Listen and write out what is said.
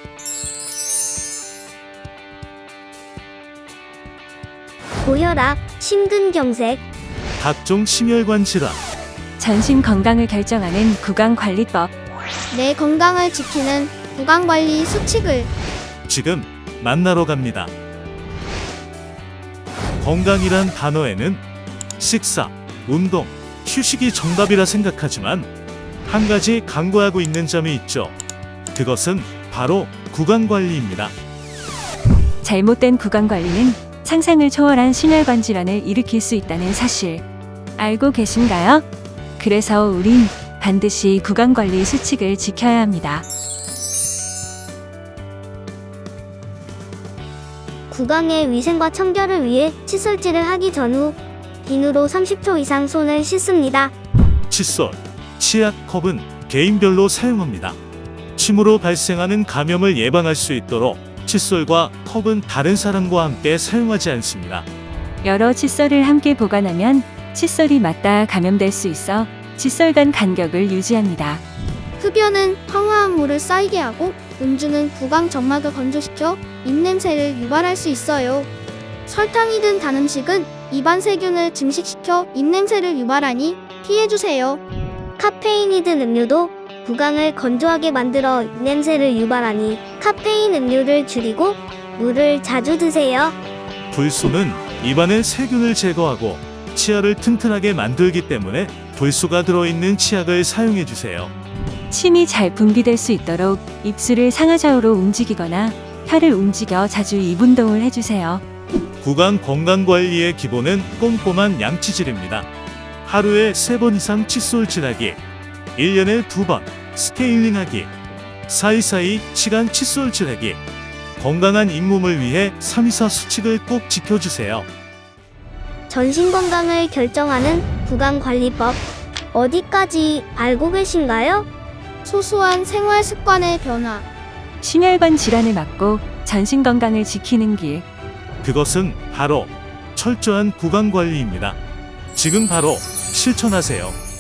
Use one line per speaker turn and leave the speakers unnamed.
고혈압, 심근경색,
각종 심혈관 질환,
전신 건강을 결정하는 구강관리법.
내 건강을 지키는 구강관리 수칙을
지금 만나러 갑니다. 건강이란 단어에는 식사, 운동, 휴식이 정답이라 생각하지만 한 가지 강구하고 있는 점이 있죠. 그것은 바로 구강관리입니다.
잘못된 구강관리는 상상을 초월한 심혈관 질환을 일으킬 수 있다는 사실 알고 계신가요? 그래서 우린 반드시 구강관리 수칙을 지켜야 합니다.
구강의 위생과 청결을 위해 칫솔질을 하기 전후 비누로 30초 이상 손을 씻습니다.
칫솔, 치약, 컵은 개인별로 사용합니다. 침으로 발생하는 감염을 예방할 수 있도록 칫솔과 컵은 다른 사람과 함께 사용하지 않습니다.
여러 칫솔을 함께 보관하면 칫솔이 맞닿아 감염될 수 있어 칫솔 간 간격을 유지합니다.
흡연은 황화한 물을 쌓이게 하고 음주는 구강 점막을 건조시켜 입냄새를 유발할 수 있어요. 설탕이 든 단 음식은 입안 세균을 증식시켜 입냄새를 유발하니 피해주세요.
카페인이 든 음료도 구강을 건조하게 만들어 입냄새를 유발하니 카페인 음료를 줄이고 물을 자주 드세요.
불소는 입안의 세균을 제거하고 치아를 튼튼하게 만들기 때문에 불소가 들어있는 치약을 사용해 주세요.
침이 잘 분비될 수 있도록 입술을 상하좌우로 움직이거나 혀를 움직여 자주 입 운동을 해주세요.
구강 건강관리의 기본은 꼼꼼한 양치질입니다. 하루에 3번 이상 칫솔질하기, 1년에 2번 스케일링하기, 사이사이 시간 칫솔질하기, 건강한 잇몸을 위해 324 수칙을 꼭 지켜주세요.
전신 건강을 결정하는 구강관리법 어디까지 알고 계신가요?
소소한 생활 습관의 변화
심혈관 질환을 막고 전신 건강을 지키는 길.
그것은 바로 철저한 구강관리입니다. 지금 바로 실천하세요.